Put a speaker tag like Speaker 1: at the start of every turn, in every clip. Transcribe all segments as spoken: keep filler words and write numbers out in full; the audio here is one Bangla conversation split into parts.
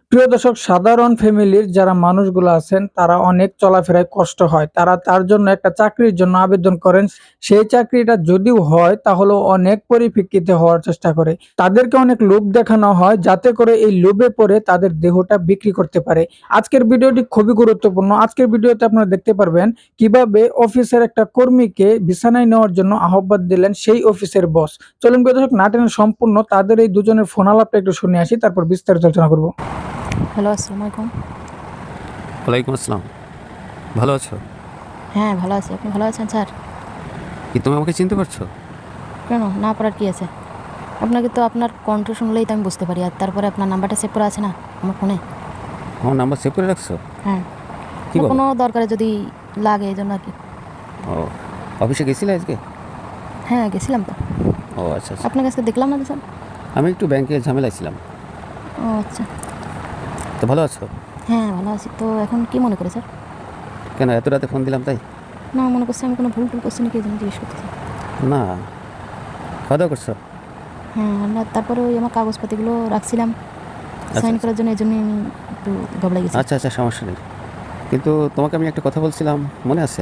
Speaker 1: প্রিয় দর্শক, সাধারণ ফ্যামিলির যারা মানুষগুলো আছেন তারা অনেক চলাফেরায় কষ্ট হয়। তারা তার জন্য একটা চাকরির জন্য আবেদন করেন। সেই চাকরিটা যদিও হয় তাহলেও অনেক পরিপ্রেক্ষিতে হওয়ার চেষ্টা করে। তাদেরকে অনেক লোভ দেখানো হয় যাতে করে এই লোভে পড়ে তাদের দেহটা বিক্রি করতে পারে। আজকের ভিডিওটি খুবই গুরুত্বপূর্ণ। আজকের ভিডিওতে আপনারা দেখতে পারবেন কিভাবে অফিসের একটা কর্মীকে বিছানায় নেওয়ার জন্য আহ্বান দিলেন সেই অফিসের বস। চলুন প্রিয় দর্শক, না টেনে সম্পূর্ণ তাদের এই দুজনের ফোন আলাপটা একটু শুনে আসি, তারপর বিস্তারিত আলোচনা করব।
Speaker 2: হ্যালো, আসসালামু আলাইকুম।
Speaker 3: ওয়ালাইকুম আসসালাম। ভালো আছো?
Speaker 2: হ্যাঁ, ভালো আছি। আপনি ভালো আছেন স্যার?
Speaker 3: কি তুমি আমাকে চিনতে পারছো?
Speaker 2: কেন না পারার কি আছে? আপনাকে তো আপনার কণ্ঠ শুনলেই তো আমি বুঝতে পারি। আর তারপরে আপনার নাম্বারটা সেভ করা আছে না আমার ফোনে?
Speaker 3: আমার নাম্বার সেভ করে রাখছো?
Speaker 2: হ্যাঁ,
Speaker 3: কি বলো?
Speaker 2: কোনো দরকারে যদি লাগে এই জন্য আর কি।
Speaker 3: ও, অফিসে গেছিলে আজকে?
Speaker 2: হ্যাঁ, গেছিলাম তো।
Speaker 3: ও আচ্ছা আচ্ছা।
Speaker 2: আপনার কাছে দেখলাম না তো স্যার।
Speaker 3: আমি একটু ব্যাংকে ঝামেলায় ছিলাম।
Speaker 2: ও আচ্ছা।
Speaker 3: তো ভালো আছো?
Speaker 2: হ্যাঁ, ভালো আছি। তো এখন কি মনে করে স্যার?
Speaker 3: কেন এত রাতে ফোন দিলাম তাই?
Speaker 2: না, মনে করছি আমি কোনো ভুল টুল করছি নাকি এই জন্য জিজ্ঞেস করতেছি।
Speaker 3: না, খাওয়া দাওয়া করছো?
Speaker 2: হ্যাঁ, না তারপরে ওই আমার কাগজপাতিগুলো রাখছিলাম সাইন
Speaker 3: আচ্ছা
Speaker 2: করার জন্য, এই জন্য আমি একটু ঘাবড়ে গেছি।
Speaker 3: আচ্ছা আচ্ছা, সমস্যা নেই। কিন্তু তোমাকে আমি একটা কথা বলছিলাম, মনে আছে?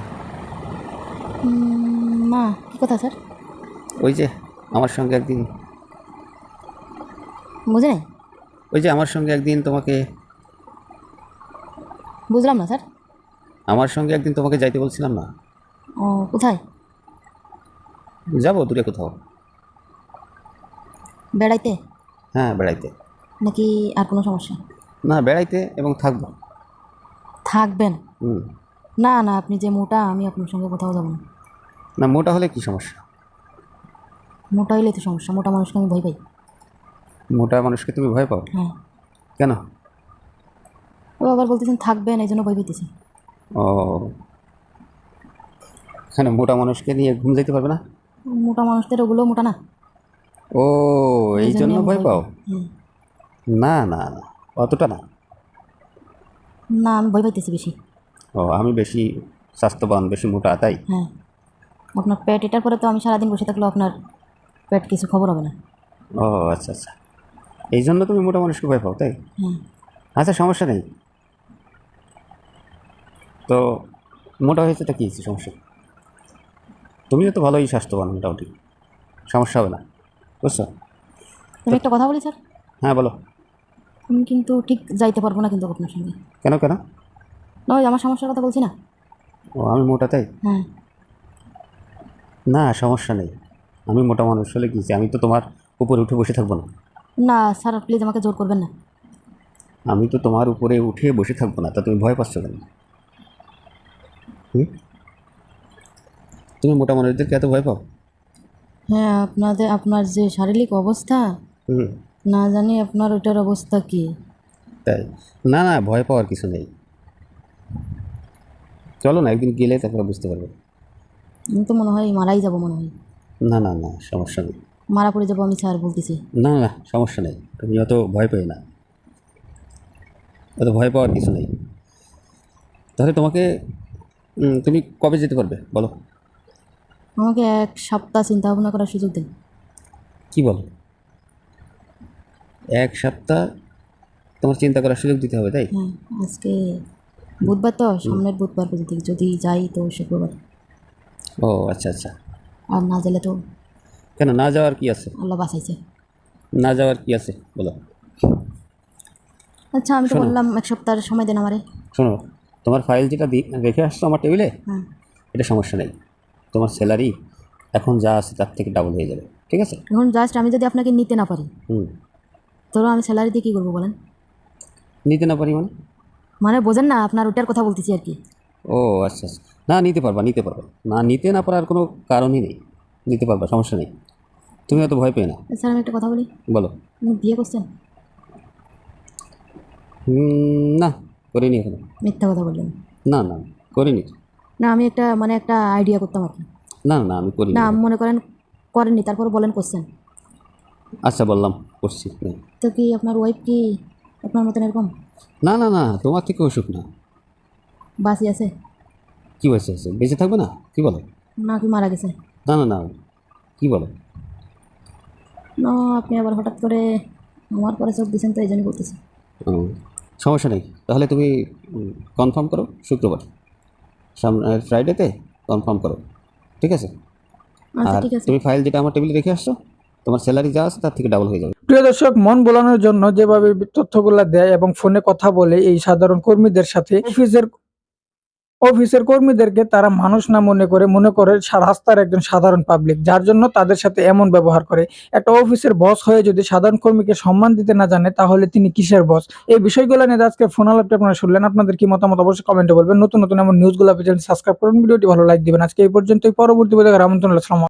Speaker 2: উম, না, কী কথা স্যার?
Speaker 3: ওই যে আমার সঙ্গে একদিন
Speaker 2: বুঝে নাই।
Speaker 3: ওই যে আমার সঙ্গে একদিন তোমাকে
Speaker 2: বুঝলাম না স্যার।
Speaker 3: আমার সঙ্গে একদিন তোমাকে যাইতে বলছিলাম না?
Speaker 2: ও, কোথায়?
Speaker 3: যাবো দূরে কোথাও।
Speaker 2: বেড়াইতে?
Speaker 3: হ্যাঁ, বেড়াইতে।
Speaker 2: নাকি আর কোনো সমস্যা?
Speaker 3: না, বেড়াইতে এবং থাকবো।
Speaker 2: থাকবেন?
Speaker 3: হুম।
Speaker 2: না না, আপনি যে মোটা, আমি আপনার সঙ্গে কোথাও যাব না।
Speaker 3: না, মোটা হলে কি সমস্যা?
Speaker 2: মোটা হইলেই তো সমস্যা। মোটা মানুষকে আমি ভয় পাই।
Speaker 3: মোটা মানুষকে তুমি ভয় পাও?
Speaker 2: হ্যাঁ।
Speaker 3: কেন?
Speaker 2: ও আবার বলতেছেন থাকবেন, এই জন্য ভয় পেতেছি।
Speaker 3: ও, এখানে মোটা মানুষকে নিয়ে ঘুম যেতে পারবে না?
Speaker 2: মোটা মানুষদের ওগুলো মোটা না,
Speaker 3: ও, এই
Speaker 2: জন্য
Speaker 3: জন্য
Speaker 2: আমি
Speaker 3: ভয় পাও?
Speaker 2: হ্যাঁ।
Speaker 3: না না না, অতটা না।
Speaker 2: না, আমি ভয় পাইতেছি বেশি।
Speaker 3: ও, আমি বেশি স্বাস্থ্যবান, বেশি মোটা তাই?
Speaker 2: হ্যাঁ। আপনার পেট এটার পরে তো আমি সারাদিন বসে থাকলেও আপনার পেট কিছু খবর হবে না।
Speaker 3: ও আচ্ছা আচ্ছা, এই জন্য তুমি মোটা মানুষকে ভয় পাও তাই?
Speaker 2: হ্যাঁ।
Speaker 3: আচ্ছা, সমস্যা নেই। তো মোটা হয়েছে তা কী হয়েছে, সমস্যা? তুমিও তো ভালোই স্বাস্থ্যবান মোটামুটি, সমস্যা হবে না, বুঝছো?
Speaker 2: তুমি একটা কথা বলি স্যার,
Speaker 3: হ্যাঁ বলো।
Speaker 2: আমি কিন্তু ঠিক যাইতে পারবো না কিন্তু আপনার সঙ্গে।
Speaker 3: কেন কেন?
Speaker 2: না, ওই আমার সমস্যার কথা বলছি না।
Speaker 3: ও, আমি মোটা তাই?
Speaker 2: হ্যাঁ।
Speaker 3: না, সমস্যা নেই। আমি মোটা মানুষ হলে কী, আমি তো তোমার উপরে উঠে বসে থাকবো না।
Speaker 2: না স্যার, প্লিজ আমাকে জোর করবেন না।
Speaker 3: আমি তো তোমার উপরে উঠে বসে থাকবো না, তা তুমি ভয় পাচ্ছ কেন? হুম, তুমি মোটা মানুষদেরকে এত ভয় পাও?
Speaker 2: হ্যাঁ, আপনাদের আপনার যে শারীরিক অবস্থা,
Speaker 3: হুম,
Speaker 2: না জানি আপনার ওটার অবস্থা কি।
Speaker 3: তাই? না না, ভয় পাওয়ার কিছু নেই। চলো না, একদিন গেলে তারপরে বুঝতে পারবে।
Speaker 2: আমি তো মনে হয় মারাই যাব, মনে হয়
Speaker 3: না না না, সমস্যা নেই।
Speaker 2: মারা পড়ে যাবো আমি স্যার, বলতেছি।
Speaker 3: না না, সমস্যা নেই, তুমি অত ভয় পেয়ে না, অত ভয় পাওয়ার কিছু নেই। তাহলে তোমাকে উম, তুমি কবে যেতে পারবে বলো?
Speaker 2: আমাকে এক সপ্তাহ চিন্তা ভাবনা করার সুযোগ দিন।
Speaker 3: কি বলো, এক সপ্তাহ তোমার চিন্তা করার সুযোগ দিতে হবে তাই?
Speaker 2: হ্যাঁ, আজকে বুধবার তো, সামনের বুধবার পর্যন্ত যদি যাই তো শুক্রবার।
Speaker 3: ও আচ্ছা আচ্ছা।
Speaker 2: আর না গেলে তো
Speaker 3: কেন না যাওয়ার কি আছে?
Speaker 2: আল্লাহ বাঁচাইছে।
Speaker 3: না যাওয়ার কি আছে বলো?
Speaker 2: আচ্ছা, আমি তো
Speaker 3: শোনো
Speaker 2: বললাম এক সপ্তাহের সময় দেন আমারে।
Speaker 3: শোনো, তোমার ফাইল যেটা দি রেখে আসছো আমার টেবিলে,
Speaker 2: হ্যাঁ।
Speaker 3: এটা সমস্যা নেই। তোমার স্যালারি এখন যা আছে তার থেকে ডাবল হয়ে যাবে, ঠিক আছে?
Speaker 2: এখন জাস্ট আমি যদি আপনাকে নিতে না পারি,
Speaker 3: হুম,
Speaker 2: ধরো আমি স্যালারি দিয়ে কী করবো বলেন?
Speaker 3: নিতে না পারি মানে?
Speaker 2: মানে বোঝেন না, আপনার ওটার কথা বলতেছি আর কি।
Speaker 3: ও আচ্ছা আচ্ছা, না নিতে পারবা, নিতে পারবা, না নিতে না পারার কোনো কারণই নেই, নিতে পারবা, সমস্যা নেই। তুমি অত ভয় পেয়ে না।
Speaker 2: স্যার, আমি একটা কথা বলি,
Speaker 3: বলো।
Speaker 2: আপনি বিয়ে করছেন?
Speaker 3: হুম, না, করিনি এখনো।
Speaker 2: মিথ্যা কথা বললেন।
Speaker 3: না না, করিনি।
Speaker 2: না, আমি একটা মানে একটা আইডিয়া করতাম আর কি।
Speaker 3: না না, আমি করিনি।
Speaker 2: না, মনে করেন করেননি, তারপর বলেন করছেন।
Speaker 3: আচ্ছা, বললাম করছি না।
Speaker 2: তো কি আপনার ওয়াইফ কি আপনার মতন এরকম
Speaker 3: না না না, তোমার থেকে অসুখ না।
Speaker 2: বাসি আছে?
Speaker 3: কী বলছে আছে, বেঁচে থাকবে না? কী বলো?
Speaker 2: না কি মারা গেছে?
Speaker 3: না না না, কী বলো?
Speaker 2: না, আপনি আবার হঠাৎ করে আমার পরে চোখ দিয়েছেন তো এই জন্য বলতেছি।
Speaker 3: ও, সমস্যা নেই, তাহলে তুমি কনফার্ম করো শুক্রবার, সামনে ফ্রাইডেতে কনফার্ম করো, ঠিক আছে?
Speaker 2: আচ্ছা
Speaker 3: আর
Speaker 2: ঠিক আছে।
Speaker 3: তুমি ফাইল যেটা আমার টেবিলে রেখে আসছো, তোমার স্যালারি যা আছে তার থেকে ডাবল হয়ে যাবে।
Speaker 1: প্রিয় দর্শক, মন ভোলানোর জন্য যেভাবে তথ্যগুলা দেয় এবং ফোনে কথা বলে এই সাধারণ কর্মীদের সাথে, অফিসের অফিসের কর্মীদেরকে তারা মানুষ না মনে করে মনে করে সা- রাস্তার একজন সাধারণ পাবলিক, যার জন্য তাদের সাথে এমন ব্যবহার করে। একটা অফিসের বস হয়ে যদি সাধারণ কর্মীকে সম্মান দিতে না জানে, তাহলে তিনি কিসের বস? এই বিষয়গুলো নিয়ে আজকে ফোন আলাপটা আপনারা শুনলেন। আপনাদের কি মতামত অবশ্যই কমেন্টে বলবেন। নতুন নতুন এমন নিউজগুলো পেতে সাবস্ক্রাইব করুন, ভিডিওটি ভালো লাইক দিবেন। আজকে এই পর্যন্তই, পরবর্তী ভিডিও দেখার আমন্ত্রণ রইলো। আসসালামু আলাইকুম।